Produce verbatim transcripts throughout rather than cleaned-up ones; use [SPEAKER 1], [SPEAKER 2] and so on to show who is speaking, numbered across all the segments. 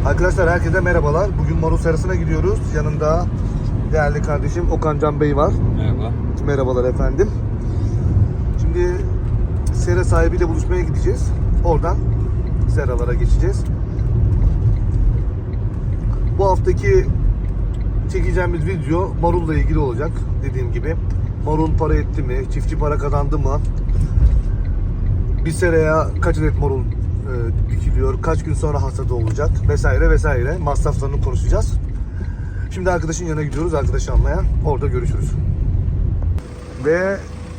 [SPEAKER 1] Arkadaşlar herkese merhabalar. Bugün marul serasına gidiyoruz. Yanımda değerli kardeşim Okan Can Bey var.
[SPEAKER 2] Merhaba.
[SPEAKER 1] Merhabalar efendim. Şimdi sera sahibiyle buluşmaya gideceğiz. Oradan seralara geçeceğiz. Bu haftaki çekeceğimiz video marulla ilgili olacak. Dediğim gibi marul para etti mi? Çiftçi para kazandı mı? Bir seraya kaç adet marul e, dikiliyor? Kaç gün sonra hasadı olacak? Vesaire vesaire. Masraflarını konuşacağız. Şimdi arkadaşın yanına gidiyoruz. Arkadaşı almaya. Orada görüşürüz. Ve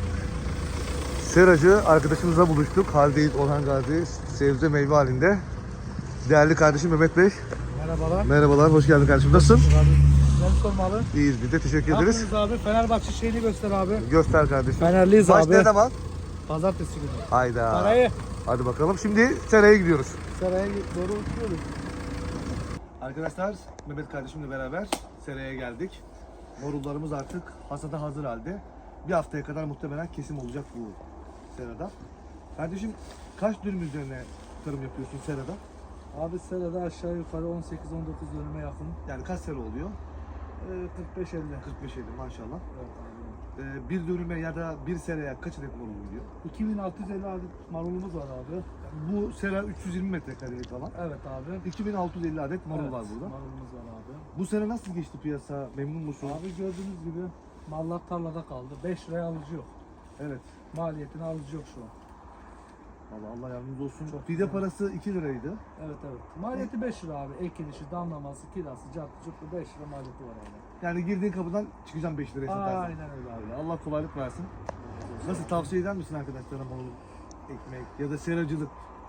[SPEAKER 1] seracı arkadaşımızla buluştuk. Haldeyiz Orhan Gazi. Sebze meyve halinde. Değerli kardeşim Mehmet Bey.
[SPEAKER 3] Merhabalar.
[SPEAKER 1] Merhabalar. Hoş geldin kardeşim. Nasılsın?
[SPEAKER 3] Abi, ben sormalı.
[SPEAKER 1] İyiyiz biz de. Teşekkür
[SPEAKER 3] Ne
[SPEAKER 1] ederiz.
[SPEAKER 3] yapıyorsunuz abi? Fenerbahçe şeyini göster abi.
[SPEAKER 1] Göster kardeşim.
[SPEAKER 3] Fenerliyiz
[SPEAKER 1] Baş
[SPEAKER 3] abi.
[SPEAKER 1] ne zaman?
[SPEAKER 3] Pazartesi günü.
[SPEAKER 1] Hayda.
[SPEAKER 3] Sarayı.
[SPEAKER 1] Hadi bakalım. Şimdi seraya gidiyoruz.
[SPEAKER 3] Saraya doğru uçuyoruz.
[SPEAKER 1] Arkadaşlar Mehmet kardeşimle beraber seraya geldik. Marullarımız artık hasada hazır halde. Bir haftaya kadar muhtemelen kesim olacak bu serada. Kardeşim kaç dönüm üzerine tarım yapıyorsun serada?
[SPEAKER 3] Abi serada aşağı yukarı on sekiz on dokuz dönüme yakın.
[SPEAKER 1] Yani kaç sera oluyor?
[SPEAKER 3] Ee, kırk beş elli.
[SPEAKER 1] kırk beş elli maşallah.
[SPEAKER 3] Evet abi.
[SPEAKER 1] Ee, bir dönüme ya da bir seraya kaç adet marul oluyor?
[SPEAKER 3] iki bin altı yüz elli adet marulumuz var abi.
[SPEAKER 1] Bu sera üç yüz yirmi metrekarelik alan.
[SPEAKER 3] Evet abi.
[SPEAKER 1] iki bin altı yüz elli adet marul
[SPEAKER 3] Evet,
[SPEAKER 1] var burada.
[SPEAKER 3] Marulumuz var abi.
[SPEAKER 1] Bu sene nasıl geçti piyasa? Memnun musun?
[SPEAKER 3] Abi gördüğünüz gibi mallar tarlada kaldı. beş liraya alıcı yok.
[SPEAKER 1] Evet.
[SPEAKER 3] Maliyetini alıcı yok şu an.
[SPEAKER 1] Vallahi Allah yardımcınız olsun.
[SPEAKER 3] Çok
[SPEAKER 1] Fide
[SPEAKER 3] güzel.
[SPEAKER 1] parası iki liraydı.
[SPEAKER 3] Evet evet. Maliyeti beş lira abi. Ekilişi, damlaması, kirası, cartı, cuplu beş lira maliyeti var abi.
[SPEAKER 1] Yani girdiğin kapıdan çıkacağım beş liraya satarsın.
[SPEAKER 3] Aynen öyle abi.
[SPEAKER 1] Öyle. Allah kolaylık versin. Nasıl tavsiye eder misin arkadaşlara marul ekmek ya da seracılık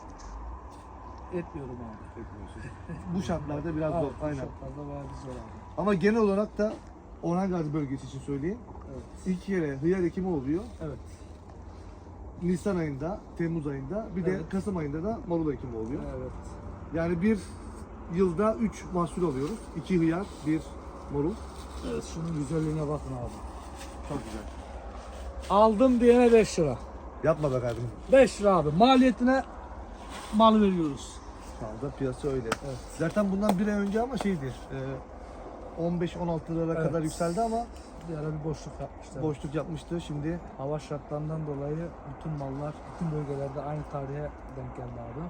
[SPEAKER 3] Etmiyorum abi.
[SPEAKER 1] etmiyorsun? Bu şartlarda biraz zor.
[SPEAKER 3] Evet, bu
[SPEAKER 1] Aynen.
[SPEAKER 3] şartlarda bayağı bir zor abi.
[SPEAKER 1] Ama genel olarak da Orhan Gazi bölgesi için söyleyeyim.
[SPEAKER 3] Evet.
[SPEAKER 1] İlk kere hıyar ekimi oluyor.
[SPEAKER 3] Evet.
[SPEAKER 1] Nisan ayında, Temmuz ayında, bir de
[SPEAKER 3] Evet.
[SPEAKER 1] Kasım ayında da marul ekimi oluyor.
[SPEAKER 3] Evet.
[SPEAKER 1] Yani bir yılda üç mahsul alıyoruz. iki hıyar, bir marul.
[SPEAKER 3] Evet. Şunun güzelliğine bakın abi.
[SPEAKER 1] Çok güzel.
[SPEAKER 3] Aldım diyene beş lira.
[SPEAKER 1] Yapma be kardeşim.
[SPEAKER 3] beş lira abi. Maliyetine mal veriyoruz.
[SPEAKER 1] Şu anda piyasa öyle.
[SPEAKER 3] Evet.
[SPEAKER 1] Zaten bundan bir ay önce ama şeydi, e, on beş on altı lira
[SPEAKER 3] Evet.
[SPEAKER 1] kadar yükseldi ama
[SPEAKER 3] Bir ara bir boşluk yapmışlar.
[SPEAKER 1] boşluk yapmıştı. Şimdi
[SPEAKER 3] Hava şartlarından dolayı bütün mallar bütün bölgelerde aynı tarihe denk geldi abi.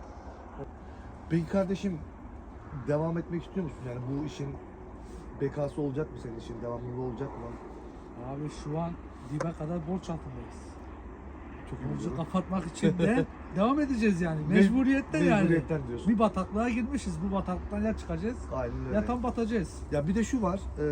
[SPEAKER 1] peki kardeşim devam etmek istiyor musun? Yani bu işin bekası olacak mı senin işin? Devamlılığı olacak mı?
[SPEAKER 3] Abi şu an dibe kadar borç altındayız.
[SPEAKER 1] Çok iyi
[SPEAKER 3] Borcu
[SPEAKER 1] biliyorum.
[SPEAKER 3] kapatmak için de devam edeceğiz yani. Mecburiyetten yani.
[SPEAKER 1] Mecburiyetten diyorsun.
[SPEAKER 3] Bir bataklığa girmişiz. Bu bataklıktan ya çıkacağız
[SPEAKER 1] Aynen öyle.
[SPEAKER 3] ya tam batacağız.
[SPEAKER 1] Ya bir de şu var. E,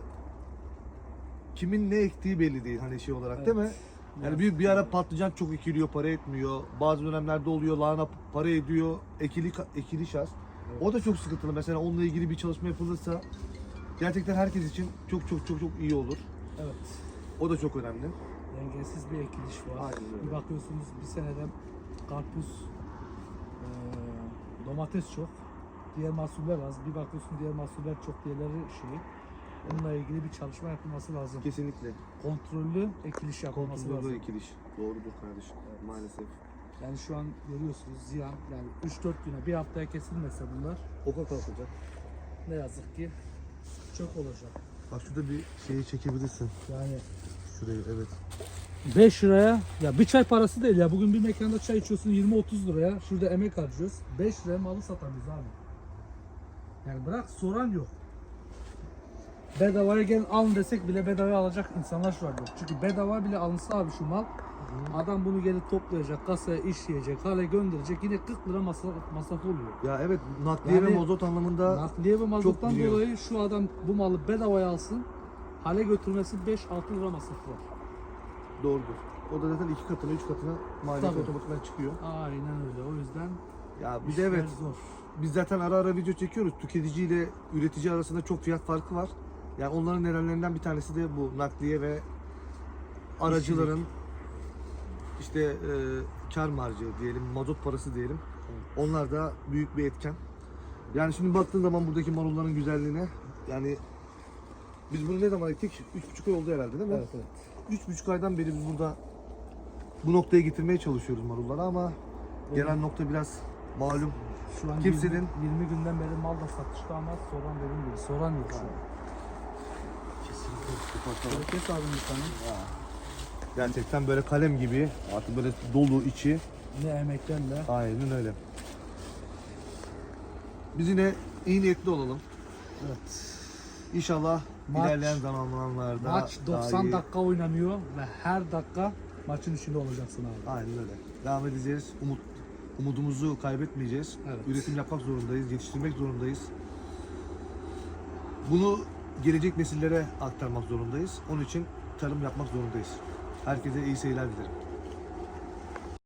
[SPEAKER 1] kimin ne ektiği belli değil hani şey olarak değil mi?
[SPEAKER 3] Evet.
[SPEAKER 1] Yani bir, bir ara patlıcan çok ekiliyor, para etmiyor. Bazı dönemlerde oluyor, lahana para ediyor, ekili ekili şans.
[SPEAKER 3] Evet.
[SPEAKER 1] O da çok sıkıntılı. Mesela onunla ilgili bir çalışma yapılırsa gerçekten herkes için çok çok çok çok iyi olur.
[SPEAKER 3] Evet.
[SPEAKER 1] O da çok önemli.
[SPEAKER 3] Dengesiz bir ekiliş var.
[SPEAKER 1] Aynen öyle.
[SPEAKER 3] Bir bakıyorsunuz bir senede karpuz, eee, domates çok. Diğer mahsuller az. Bir bakıyorsun diğer mahsuller çok, diğerleri şey. Onunla ilgili bir çalışma yapılması lazım.
[SPEAKER 1] Kesinlikle.
[SPEAKER 3] Kontrollü ekiliş yapılması
[SPEAKER 1] Kontrollü
[SPEAKER 3] lazım.
[SPEAKER 1] ekiliş. Doğrudur kardeşim. Maalesef.
[SPEAKER 3] Yani şu an görüyorsunuz ziyan, yani üç dört güne, bir haftaya kesilmese bunlar
[SPEAKER 1] Oka kalkacak.
[SPEAKER 3] ne yazık ki çok olacak.
[SPEAKER 1] Bak şurada bir şeyi çekebilirsin.
[SPEAKER 3] Yani
[SPEAKER 1] Şurayı evet.
[SPEAKER 3] beş liraya, ya bir çay parası değil ya, bugün bir mekanda çay içiyorsun yirmi otuz liraya, şurada emek harcıyoruz, beş liraya malı satamıyoruz abi. Yani bırak soran yok. Bedavaya gelin alın desek bile bedavaya alacak insanlar şu an yok. Çünkü bedava bile alınsa abi şu mal, adam bunu gelip toplayacak, kasaya işleyecek, hale gönderecek, yine kırk lira masraf, masraf oluyor.
[SPEAKER 1] Ya evet nakliye ve
[SPEAKER 3] Yani
[SPEAKER 1] mazot anlamında
[SPEAKER 3] Nakliye ve mazottan
[SPEAKER 1] biliyor.
[SPEAKER 3] dolayı şu adam bu malı bedavaya alsın, hale götürmesi beş altı lira masrafı var.
[SPEAKER 1] doğrudur. O da zaten iki katına, üç katına maliyet
[SPEAKER 3] Tabii.
[SPEAKER 1] otomatikman çıkıyor.
[SPEAKER 3] Aynen öyle, o yüzden
[SPEAKER 1] Ya bir de
[SPEAKER 3] işler
[SPEAKER 1] evet
[SPEAKER 3] zor.
[SPEAKER 1] biz zaten ara ara video çekiyoruz. Tüketici ile üretici arasında çok fiyat farkı var. Yani onların nedenlerinden bir tanesi de bu nakliye ve aracıların işte e, kar marjı diyelim, mazot parası diyelim. Onlar da büyük bir etken. Yani şimdi baktığın zaman buradaki marulların güzelliğine, yani biz bunu ne zaman ektik? Üç buçuk ay oldu herhalde değil mi?
[SPEAKER 3] Evet evet.
[SPEAKER 1] Üç buçuk aydan beri biz burada bu noktaya getirmeye çalışıyoruz marulları ama gelen nokta biraz malum
[SPEAKER 3] Şu an
[SPEAKER 1] Kimsenin-
[SPEAKER 3] yirmi, yirmi günden beri mal da satışta ama soran dediğim gibi soran yok şu an.
[SPEAKER 1] Kesinlikle kapatalım.
[SPEAKER 3] Kes abi bir tane.
[SPEAKER 1] Gerçekten böyle kalem gibi, artık böyle dolu içi.
[SPEAKER 3] Ne emeklerle.
[SPEAKER 1] Aynen öyle. Biz yine iyi niyetli olalım.
[SPEAKER 3] Evet.
[SPEAKER 1] İnşallah
[SPEAKER 3] Maç-
[SPEAKER 1] ilerleyen zamanlarda
[SPEAKER 3] Maç
[SPEAKER 1] daha
[SPEAKER 3] doksan
[SPEAKER 1] iyi-
[SPEAKER 3] dakika oynanıyor ve her dakika maçın içinde olacaksın abi.
[SPEAKER 1] Aynen öyle. Devam edeceğiz. Umut umudumuzu kaybetmeyeceğiz.
[SPEAKER 3] Evet.
[SPEAKER 1] Üretim yapmak zorundayız, yetiştirmek zorundayız. Bunu gelecek nesillere aktarmak zorundayız. Onun için tarım yapmak zorundayız. Herkese iyi seyirler dilerim.